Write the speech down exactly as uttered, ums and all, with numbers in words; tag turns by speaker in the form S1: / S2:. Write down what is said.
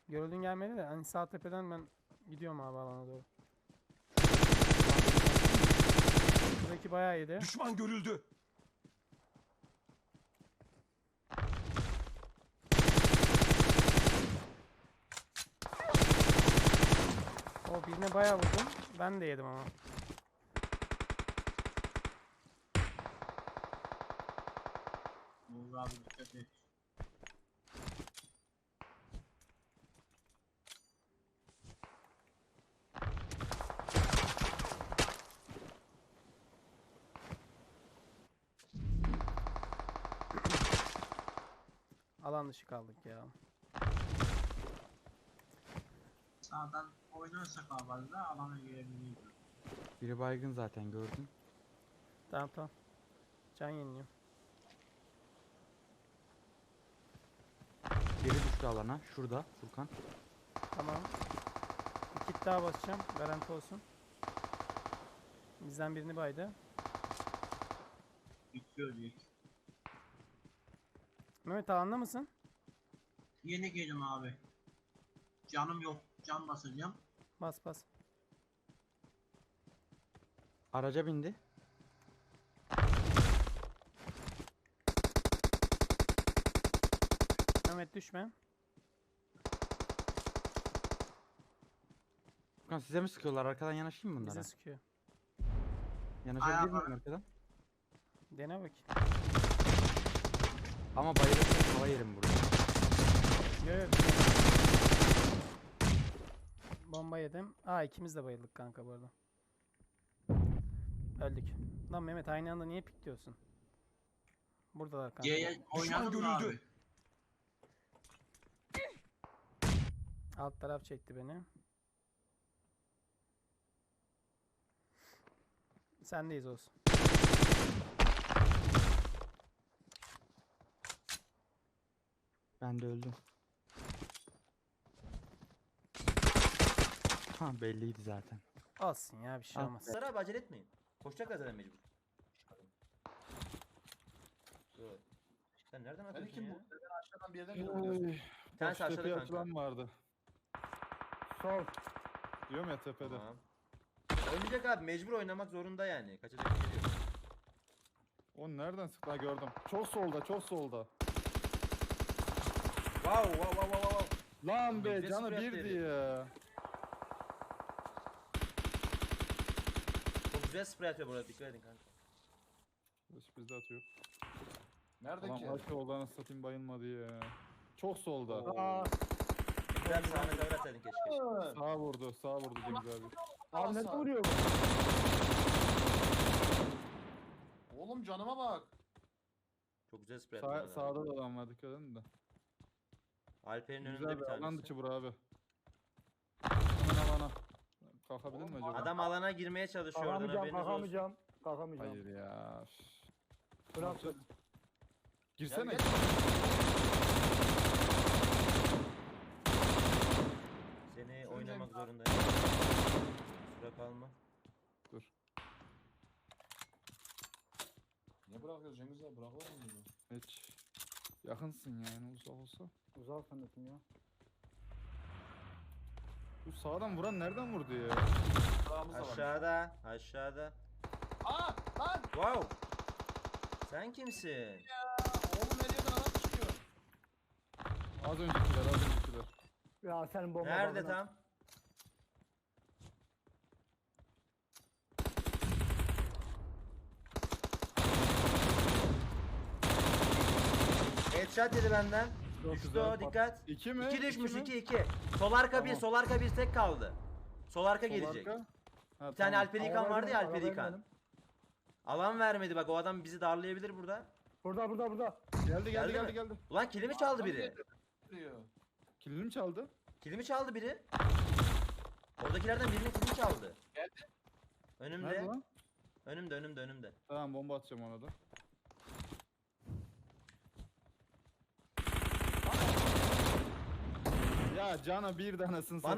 S1: Görüldüğün gelmedi de hani sağ tepeden ben gidiyorum abi alana doğru. Buradaki bayağı iyiydi.
S2: Düşman görüldü.
S1: O birine bayağı vurdum. Ben de yedim ama.
S3: Uğur abi dikkat et.
S1: Alan dışı kaldık ya.
S3: Sağdan oynarsak abi da alana girebiliriz.
S4: Biri baygın zaten gördüm.
S1: Tamam tamam. Can yeniliyor.
S4: Biri düştü alana. Şurada Furkan.
S1: Tamam. Bir kit daha basacağım. Garanti olsun. Bizden birini baydı.
S3: Bitiyor ilk.
S1: Mehmet alanda mısın?
S3: Yeni geldim abi. Canım yok. Can basacağım.
S1: Bas bas.
S4: Araca bindi.
S1: Mehmet düşme.
S4: Furkan size mi sıkıyorlar? Arkadan yanaşayım mı bunlara?
S1: Bize sıkıyor.
S4: Yanaşabilir
S3: Ayağa
S4: miyim arkadan?
S1: Dene bak.
S4: Ama bayılırsam hava yerim burada.
S1: Yo yo. Bomba yedim. Aa ikimiz de bayıldık kanka bu arada. Öldük. Lan Mehmet aynı anda niye pikliyorsun? Buradalar kanka.
S3: C'ye oynadım da
S2: görüldü.
S3: abi.
S1: Alt taraf çekti beni. Sendeyiz olsun.
S4: Ben de öldüm. Ha belliydi zaten.
S1: Olsun ya bir şey
S4: Ah
S1: olmaz.
S5: Sarı abi acele etmeyin. Koşacak zaten mecbur. Dur. Sen nereden
S6: Ben
S5: atıyorsun
S6: kim
S5: ya?
S6: bu? Ben aşağıdan bir yerden geliyorum.
S5: Bir tanesi aşağıda
S7: Tepeye
S5: kanka.
S7: atılan vardı.
S6: Sol.
S7: Diyorum ya tepede.
S5: Tamam. Oynayacak abi mecbur oynamak zorunda yani. Kaçacak bir şey yok.
S7: O nereden sıktı? Ha, gördüm. Çok solda, çok solda.
S5: Wow wow wow wow wow.
S7: Lan be
S5: Nefes
S7: canı
S5: bırak
S7: birdi
S5: dedi.
S7: ya.
S5: Çok güzel sprey atıyor burada dikkat edin kanka.
S7: Sürpriz de atıyor.
S6: Nerede
S7: Ulan
S6: ki?
S7: kaç soldan satayım bayılmadı ya. Çok solda.
S6: Aa,
S5: Güzel bir sahne cover atsaydın keşke.
S7: Sağ vurdu, sağ vurdu Cengiz abi.
S6: abi ne vuruyor? Oğlum canıma bak.
S5: Çok güzel sprey
S7: Sağ,
S5: atıyor.
S7: sağda da adam var dikkat edin de.
S5: Alper'in önünde
S7: Güzel
S5: bir
S7: bir alan
S5: tanesi.
S7: dışı bura abi. Hemen alana. Kalkabilir mi
S6: Oğlum,
S7: acaba?
S5: Adam alana girmeye çalışıyor oradan haberiniz olsun.
S6: kalkamayacağım. Kalkamayacağım.
S7: Hayır ya. üf.
S6: Bırak.
S7: Girsene.
S6: Gel, gel.
S5: Seni
S6: Sürüneceğim
S5: oynamak
S6: ya.
S5: zorundayım. Kusura kalma.
S7: Dur.
S6: Niye bırakıyoruz Cengiz abi? Bırakılır mı bunu?
S7: Hiç. Yakınsın yani uzak olsa.
S6: Uzak sanatım ya.
S7: Bu sağdan vuran nereden vurdu ya?
S6: Sağımız da var.
S5: Aşağıda, aşağıda.
S6: Aa lan!
S5: Wow. Sen kimsin?
S6: Ya, oğlum her yerden adam çıkıyor.
S7: Az öncekiler, az öncekiler.
S6: Ya senin bomba
S5: Nerede tam? Headshot yedi benden.
S7: Çok
S5: Düştü
S7: güzel.
S5: o dikkat.
S7: İki mi?
S5: İki düşmüş
S7: mi?
S5: iki iki. Sol arka bir,
S7: Tamam.
S5: sol arka bir tek kaldı. Sol arka
S7: Sol
S5: gelecek.
S7: arka. Ha,
S5: Bir tane
S7: tamam.
S5: Alper İlkan vardı ya Alper İlkan. Alan vermedi bak o adam bizi darlayabilir burada.
S6: Burada burada burada.
S7: Geldi geldi
S5: Geldi
S7: geldi
S5: mi?
S7: geldi.
S5: Ulan kilimi çaldı biri.
S6: Diyor.
S7: Kilini mi çaldı?
S5: Kilimi çaldı biri. Oradakilerden birinin kilimi çaldı.
S6: Geldi.
S5: Önümde.
S7: Nerede lan?
S5: Önümde önümde önümde.
S7: Tamam bomba atacağım ona da. Ya cana bir tanesini